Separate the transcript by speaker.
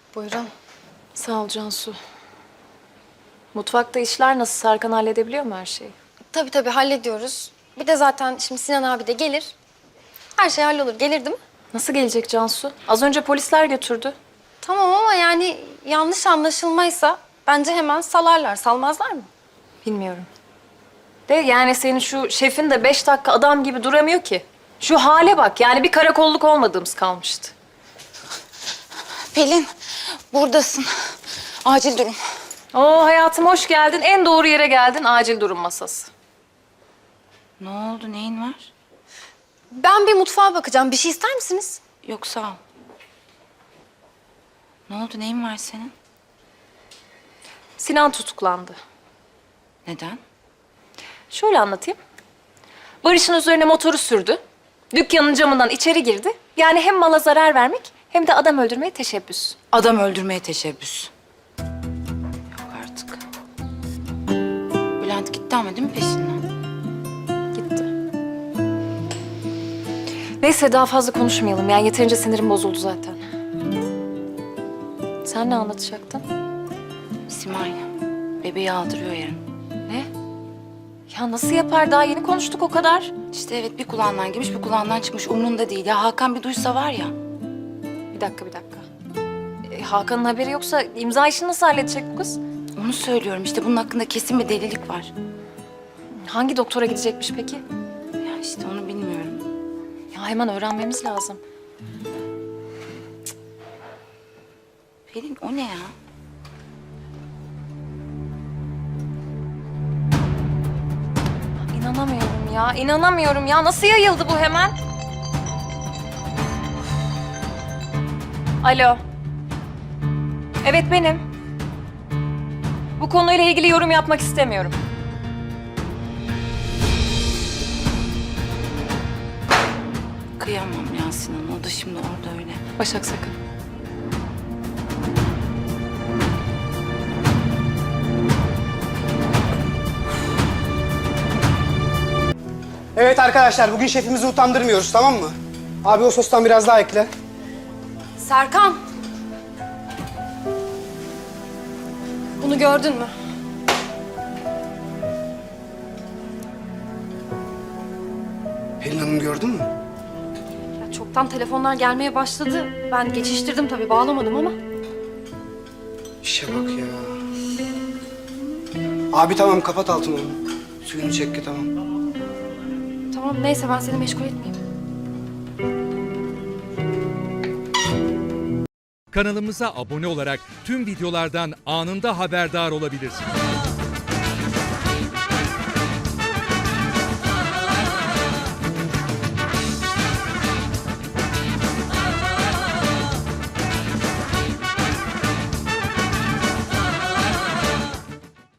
Speaker 1: Buyurun.
Speaker 2: Sağ ol Cansu. Mutfakta işler nasıl? Serkan halledebiliyor mu her şeyi?
Speaker 1: Tabii hallediyoruz. Bir de zaten şimdi Sinan abi de gelir. Her şey hallolur. Gelir değil mi?
Speaker 2: Nasıl gelecek Cansu? Az önce polisler götürdü.
Speaker 1: Tamam ama yani yanlış anlaşılmaysa bence hemen salarlar. Salmazlar mı?
Speaker 2: Bilmiyorum. De yani senin şu şefin de 5 dakika adam gibi duramıyor ki. Şu hale bak, yani bir karakolluk olmadığımız kalmıştı.
Speaker 3: Pelin, buradasın. Acil durum.
Speaker 2: Oo hayatım, hoş geldin. En doğru yere geldin. Acil durum masası.
Speaker 3: Ne oldu, neyin var?
Speaker 1: Ben bir mutfağa bakacağım. Bir şey ister misiniz?
Speaker 3: Yok, sağ ol. Ne oldu, neyin var senin?
Speaker 2: Sinan tutuklandı.
Speaker 3: Neden?
Speaker 2: Şöyle anlatayım. Barış'ın üzerine motoru sürdü. Dükkanın camından içeri girdi. Yani hem mala zarar vermek hem de adam öldürmeye teşebbüs.
Speaker 3: Adam öldürmeye teşebbüs. Yok artık. Bülent gitti ama değil mi peşinden?
Speaker 2: Gitti. Neyse daha fazla konuşmayalım. Yani yeterince sinirim bozuldu zaten. Sen ne anlatacaktın?
Speaker 3: Simay, bebeği aldırıyor yarın.
Speaker 2: Ne? Ya nasıl yapar? Daha yeni konuştuk o kadar.
Speaker 3: İşte evet, bir kulağından girmiş, bir kulağından çıkmış. Umrunda değil. Ya Hakan bir duysa var ya.
Speaker 2: Bir dakika. Hakan'ın haberi yoksa imza işini nasıl halledecek bu kız?
Speaker 3: Onu söylüyorum işte, bunun hakkında kesin bir delilik var.
Speaker 2: Hangi doktora gidecekmiş peki?
Speaker 3: Ya işte onu bilmiyorum.
Speaker 2: Ya hemen öğrenmemiz lazım.
Speaker 3: Pelin, o ne ya?
Speaker 2: İnanamıyorum ya. Nasıl yayıldı bu hemen? Alo. Evet benim. Bu konuyla ilgili yorum yapmak istemiyorum.
Speaker 3: Kıyamam ya Sinan, o da şimdi orada öyle.
Speaker 2: Başak sakın.
Speaker 4: Evet arkadaşlar, bugün şefimizi utandırmıyoruz, tamam mı? Abi o sostan biraz daha ekle.
Speaker 1: Serkan. Bunu gördün mü?
Speaker 4: Pelin Hanım gördün mü?
Speaker 1: Ya çoktan telefonlar gelmeye başladı. Ben geçiştirdim tabii, bağlamadım ama.
Speaker 4: İşe bak ya. Abi tamam, kapat altını onu. Suyunu çek ki tamam.
Speaker 1: Tamam neyse, ben seni meşgul etmeyeyim.
Speaker 5: Kanalımıza abone olarak tüm videolardan anında haberdar olabilirsiniz.